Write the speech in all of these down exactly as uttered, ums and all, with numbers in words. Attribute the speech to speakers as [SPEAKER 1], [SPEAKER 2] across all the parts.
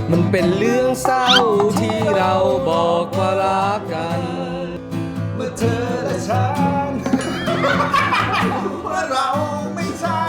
[SPEAKER 1] มันเป็นเรื่องเศร้าที่เราบอกว่ารักกัน
[SPEAKER 2] เมื่อเธอและฉันว่าเราไม่ใช่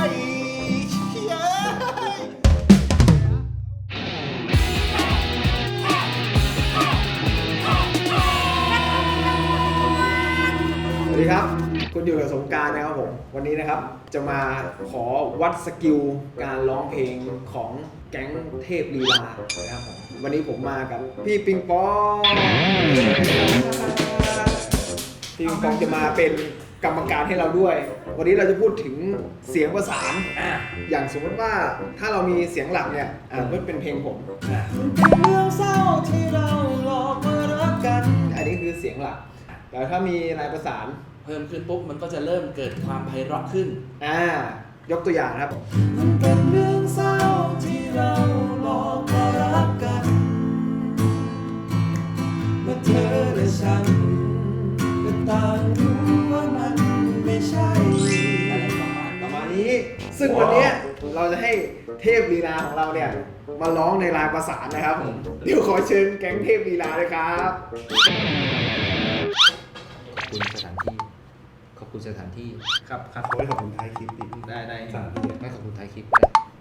[SPEAKER 2] สวัสดีครับคุณอยู่กับสงกรานต์นะครับผมวันนี้นะครับจะมาขอวัดสกิลการร้องเพลงของแก๊งเทพลีลานะครับผมวันนี้ผมมากับพี่ปิงปองพี่ปิงปองจะมาเป็นกรรมการให้เราด้วยวันนี้เราจะพูดถึงเสียงประสานอย่างสมมติว่าถ้าเรามีเสียงหลักเนี่ยอ่าก็เป็นเพลงผมเป็นเรื่องเศร้าที่เราหลอกมารักกันอันนี้คือเสียงหลักแต่ถ้ามีลายประสาน
[SPEAKER 3] เพิ่มขึ้นปุ๊บมันก็จะเริ่มเกิดความไพเราะขึ้น
[SPEAKER 2] อ่ายกตัวอย่างครับมันเป็นเรื่องเศร้าที่เราหลอกมารักกันเมื่อเธอและฉันก็ต่างรู้ว่ามันไม่ใช่อะไรประมาณประมาณนี้ซึ่งวันนี้เราจะให้เทพลีลาของเราเนี่ยมาร้องในลายประสานนะครับผมเดี๋ยวขอเชิญแก๊งเทพลีลาเลยครับ
[SPEAKER 3] คุณสถานที่ขอบคุณสถานที่
[SPEAKER 2] ครับครับ
[SPEAKER 4] โอ้ยขอบคุณท้ายคลิปดิ
[SPEAKER 2] ได้ได้
[SPEAKER 4] สถานที่
[SPEAKER 3] ไม่ขอบคุณท้ายคลิป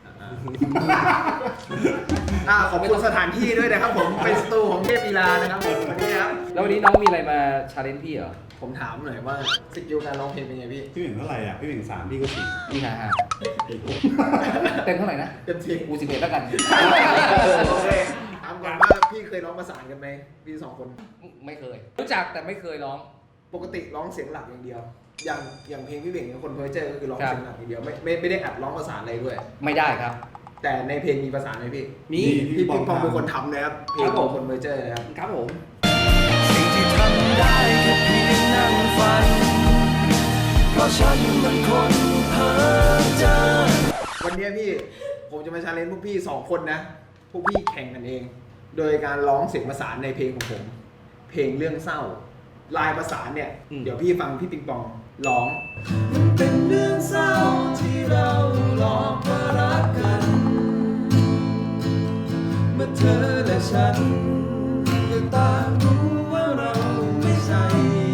[SPEAKER 2] อ่าขอบคุณสถานที่ด้วยนะครับผมเป็นสตูของเทพลีลานะครับผมวันนี้ครับ
[SPEAKER 3] แล้ววันนี้น้องมีอะไรมาชาเลนจ์พี่เหรอ
[SPEAKER 2] ผมถามหน่อยว่าสกิลการร้องเพลงเป็นไงพี่
[SPEAKER 4] พี่หนึ่งเท่าไหร่อ่ะพี่หนึ่งสามพี่ก็สี่
[SPEAKER 3] พี่ห้าห้าเต็มเท่าไหร่นะ
[SPEAKER 2] เต็มสิบ
[SPEAKER 3] กูสิบเอ็ดแล้วกัน
[SPEAKER 2] โอเคถามก่อนว่าพี่เคยร้องประสานกันไหมพี่สองคน
[SPEAKER 3] ไม่เคยรู้จักแต่ไม่เคยร้อง
[SPEAKER 2] ปกติร้องเสียงหลักอย่างเดียวอย่างอย่างเพลงพี่เบ่งคนเพอร์เจอร์ก็คือร้องเสียงหลักอย่างเดียวไม่ไม่ไม่ได้อัดร้องประสานอะไรด้วย
[SPEAKER 3] ไม่ได้ครับ
[SPEAKER 2] แต่ในเพลงมีประสานไหมพี่
[SPEAKER 3] มี
[SPEAKER 2] พี่ปิงปองเป็นคนทำนะครับเพลงของคนเพอร์เจอร์นะครับ
[SPEAKER 3] ครับผม
[SPEAKER 1] สิ่งที่ทำได้แค่เพียงนั่งฝันเพราะฉันมันคนเพ้อเจ้อ
[SPEAKER 2] วันนี้พี่ผมจะมาชาเลนจ์พวกพี่สองคนนะพวกพี่แข่งกันเองโดยการร้องเสียงประสานในเพลงของผมเพลงเรื่องเศร้าลายประสานเนี่ยเดี๋ยวพี่ฟังพี่ปิงปองร้องมันเป็นเรื่องเศร้าที่เราหลอกมารักกันเมื่อเธอและฉันก็ต่างรู้ว่าเราไม่ใช่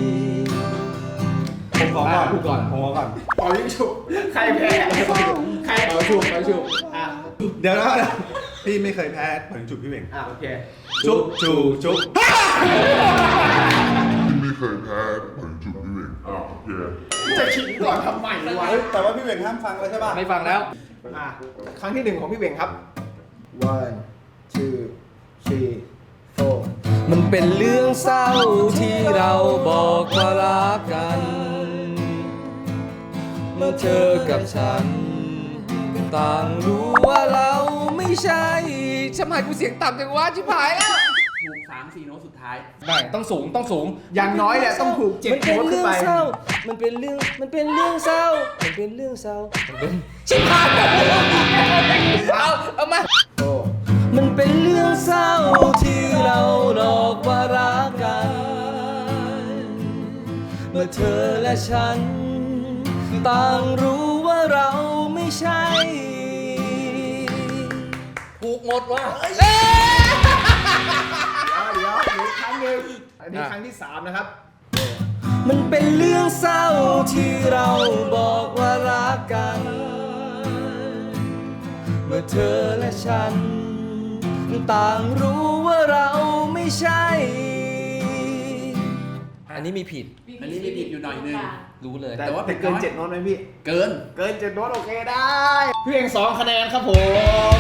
[SPEAKER 4] ผมขอก่อนพูดก่อนผมขอก่อน
[SPEAKER 2] ปล่อยยิ่งฉุกใครแพ้ใครปล่อยฉุกปล่อยฉุกอ่ะ
[SPEAKER 4] เดี๋ยวนะพี่ไม่เคยแพ้ปล่อยฉุกพี่เบ่ง
[SPEAKER 2] อ่ะโอเค
[SPEAKER 4] จุ๊บจูจุ๊บ
[SPEAKER 5] ไม่เคยแพ้เหมือนจุดพี่เบ่งอ่าโอเค
[SPEAKER 2] จะขิงก่อนทำใหม่วะ
[SPEAKER 4] แต่ว่าพี่เบ่งห้ามฟังเลยใช่ป่ะ
[SPEAKER 3] ไม่ฟังแล้ว
[SPEAKER 2] อ่ะครั้งที่หนึ่งของพี่เบ่งครับ one two three four
[SPEAKER 1] มันเป็นเรื่องเศร้าที่เราบอกว่ารักกันเมื่อเธอกับฉันต่างรู้ว่าเราไม่ใช่
[SPEAKER 3] ทำไมกูเสียงต่ำจังวะชิบหายแล้วถูกสามสี่โน้ตสุดท้ายได้ต้องสูงต้องสูง
[SPEAKER 2] อย่างน้อยเนี่ยต้องถูกเจ็ดโน้ตขึ้นไป
[SPEAKER 1] มันเป็นเรื่องมันเป็นเรื่องเศร้ามันเป็นเรื่องเศร้ามันเป็นชิบหายเอาเอามามันเป็นเรื่องเศร้าที่เราหลอกว่ารักกันเมื่อเธอและฉันต่างรู้ว่าเราไม่ใช่
[SPEAKER 3] ถูกหมดว่ะ
[SPEAKER 2] เดี๋ยวเดี๋ยวครั้งหนึ่งอันนี้ครั้งที่สามนะครับ
[SPEAKER 1] มันเป็นเรื่องเศร้าที่เราบอกว่ารักกันเมื่อเธอและฉันต่างรู้ว่าเราไม่ใช่อันนี้มีผิด
[SPEAKER 3] อันนี้มีผิดอยู่หน่อยนึงรู้เลย
[SPEAKER 2] แต่ว่าเป็นเกินเจ็ดโน้ตไหมพี่
[SPEAKER 3] เกิน
[SPEAKER 2] เกินเจ็ดโน้ตโอเคได้พี่เองสองคะแนนครับผม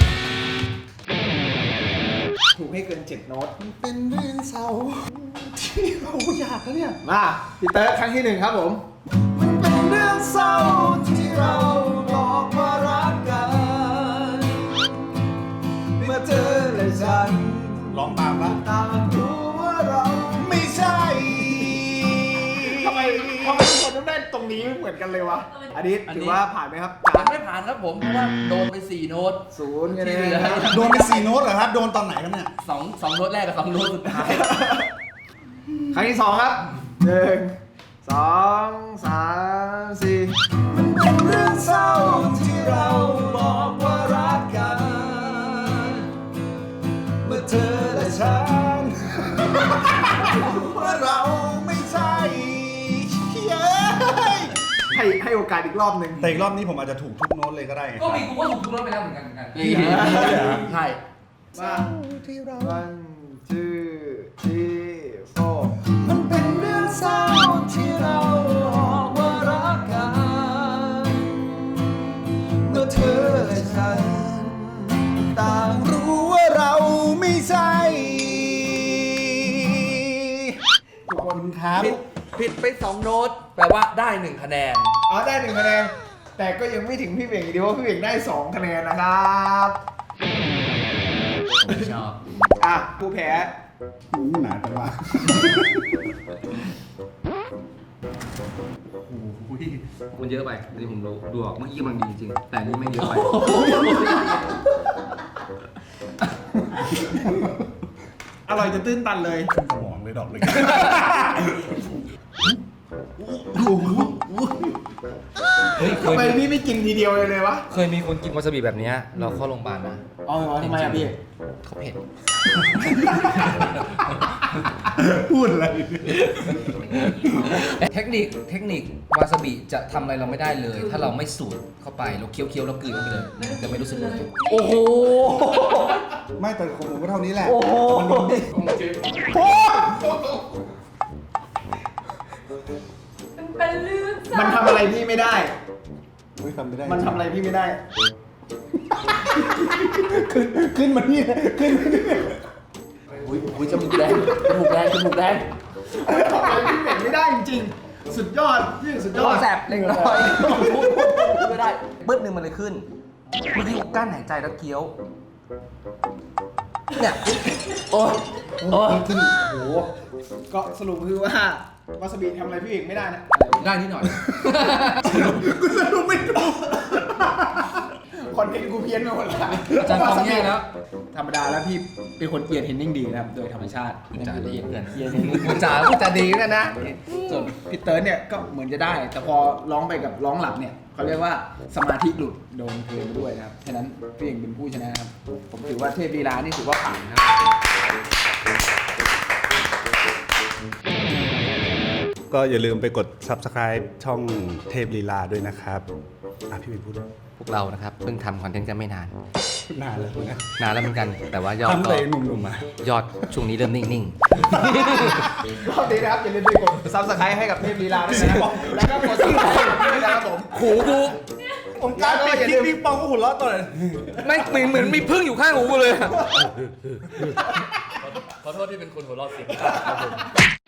[SPEAKER 2] ถูกให้เกินเจ็ดโน้ต
[SPEAKER 4] เป็นเรื่องเศร้าที่เราอยากแล้วเนี่ย
[SPEAKER 2] มาพี่เติร์ดครั้งที่หนึ่งครับผมมันเป็นเรื่องเศร้าที่เราบอกว่ารักกันเมื่อเธอและฉัน
[SPEAKER 4] ร้องตามละ
[SPEAKER 2] ต่างรู้ว่าเราไม่ใช่ทำไมทำไมทุกคนต้องได้ตรงนี้เหมือนกันเลยวะอันนี้ถือว่าผ่านไหมครับ
[SPEAKER 3] ยังไม่ผ่านครับผมเพราะว่าโดนไปสี่โน้ต
[SPEAKER 2] ศูนย์กันเลย
[SPEAKER 4] โดนไปสี่โน้ตเหรอครับโดนตอนไหนครับเนี่ย
[SPEAKER 3] สองสองโน้ตแรกกับสองโน้ตสุดท้าย
[SPEAKER 2] ครั้งที่สองครับหนึ่งสองสามสี่มันเป็นเรื่องเศร้าที่เราบอกว่ารักกัน
[SPEAKER 4] เธอและฉันว่าเราไม่ใช่เย้ย
[SPEAKER 2] ให้ให้โอกาสอีกรอบหนึ่ง
[SPEAKER 4] แต่อีกรอบนี้ผมอาจจะถูกทุกโน้ตเลยก็ได้ไง
[SPEAKER 3] ก็มีกูก็ถูกทุกรอบไปแล้วเหมือนกันเหมือนกัน
[SPEAKER 1] ใช่
[SPEAKER 2] ว่า one two three four
[SPEAKER 1] มันเป็นเรื่องเศร้าที่เราบอกว่ารักกันเมื่อเธอและฉันต่าง
[SPEAKER 4] รู้ว่าเราไม่ใช่ขอบคุณครับ
[SPEAKER 3] ผิดผิดไปสองโน้ตแปลว่าได้หนึ่งคะแนน
[SPEAKER 2] อ๋อได้หนึ่งคะแนนแต่ก็ยังไม่ถึงพี่เบ่งดีว่าพี่เบ่งได้สองคะแนนนะครับ
[SPEAKER 3] ชอบ
[SPEAKER 2] อ่ะผู้แพ้
[SPEAKER 4] หนาจังวะ
[SPEAKER 3] มันเยอะไปอันนี้ผมดูดูออกเมื่อกี้กำลังดีจริงๆแต่อันนี้ไม่เยอะไป
[SPEAKER 2] อร่อยจะตื้นตันเลย
[SPEAKER 4] ขึ้นสมองเลยดอกเลย
[SPEAKER 1] เฮ้ยเค
[SPEAKER 2] ทำ
[SPEAKER 1] ย
[SPEAKER 2] ไม
[SPEAKER 1] มี
[SPEAKER 2] พี่ไม่กินทีเดียวเลยเลยวะ
[SPEAKER 1] เคยมีคนกินวาซาบิแบบเนี้ยเราเข้าโรงพยาบาลนะ
[SPEAKER 2] อ๋อทำไมอ่ะพี่
[SPEAKER 1] เขาเผ็ด
[SPEAKER 4] พูดอะไร
[SPEAKER 1] เทคนิคเทคนิควาซาบิจะทำอะไรเราไม่ได้เลย ถ้าเราไม่สูดเข้าไปเราเคี้ยวเคี้ยวๆแล้วกลืนเข้าไปเลยจะไม่รู้สึกเลยโอ้โห
[SPEAKER 4] ไม่แต่ของผมก็เท่านี้แหละ
[SPEAKER 1] โอ้โห
[SPEAKER 4] มันโดนดิ
[SPEAKER 6] เป็นเรื่องเศร้า
[SPEAKER 2] มันทำอะไรพี่ไม่ได้
[SPEAKER 4] ไม่ทำไม่ได้
[SPEAKER 2] มันทำอะไรพี่ไม่ได้
[SPEAKER 4] ขึ้นขึ้นมานี่เลยขึ้นมานี่
[SPEAKER 1] อุ้ยอุ้ยจมูกแดงจมูกแดงจมูกแดง
[SPEAKER 2] มันทำอะไรพี่เบ่งไม่ได้จริงๆ สุดยอดพี่สุดย
[SPEAKER 1] โอ้
[SPEAKER 2] อด
[SPEAKER 1] แสบเล็กน้อยพูดพูดพูดไม่ได้บึ้ดหนึ่งมันเลยขึ้นเมื่อกี้ผมกั้นหายใจแล้วเคี้ยวเนี่ยโอ้ยโอ้ย
[SPEAKER 2] โอ้โหก็สรุปคือว่าวาซาบิทำอะไรพี่เบ่งไม่ได้นะ
[SPEAKER 3] ได้นิดหน่อย
[SPEAKER 2] กูสรุปไม่ถูกคอนเทนต์กูเพี้ยนไปหมดละ
[SPEAKER 3] อาจารย์ฟังแย่แล้ว
[SPEAKER 2] ธรรมดาแล้วพี่เป็นคนเอียดเห็นนิ่งดีนะครับ โดยธรรมชาติ
[SPEAKER 1] พูดจาดีเพื่อน
[SPEAKER 2] เอียดเห็นนิ่ง
[SPEAKER 1] พูดจาพูดจาดีกันนะ
[SPEAKER 2] ส่วนพี่เติร์ดเนี่ยก็เหมือนจะได้ แต่พอร้องไปกับร้องหลับเนี่ยเขาเรียกว่าสมาธิหลุดโดนเพลงไปด้วยนะครับ ฉะนั้นพี่เองเป็นผู้ชนะครับ ผมถือว่าเทพลีลานี่ถือว่าผ่านนะครับ
[SPEAKER 4] ก็อย่าลืมไปกด Subscribe ช่องเทพลีลาด้วยนะครับอ่ะพี่เป็นพูดด้วย
[SPEAKER 1] พวกเรานะครับเพิ่งทำคอนเทนต์กันไม่นาน
[SPEAKER 4] นานแล้วนะ
[SPEAKER 1] นานแล้วเหมือนกัน แต่ว่ายอด
[SPEAKER 4] ทำ
[SPEAKER 1] ก็
[SPEAKER 4] เลยหนุ่มๆมา
[SPEAKER 1] ยอดช่วงนี้เริ่มนิ่ง
[SPEAKER 2] รอบนี้นะครับอย่าลืมไปกดซับสไครต์ให้กับเทพลีลาด้วยนะครับ แล้วก็กดซับสไครต์ด้วยนะครับผม
[SPEAKER 1] ๆ หูกู
[SPEAKER 4] ผมกล้ารปิดคลิปปิงปองก็หุ่นล้อต่อเลย
[SPEAKER 1] ไม่เหมือนเหมือนมีพึ่งอยู่ข้างหูกูเลย
[SPEAKER 3] ขอโทษที่เป็นคนหัวเราะเสียงต่ำครับผม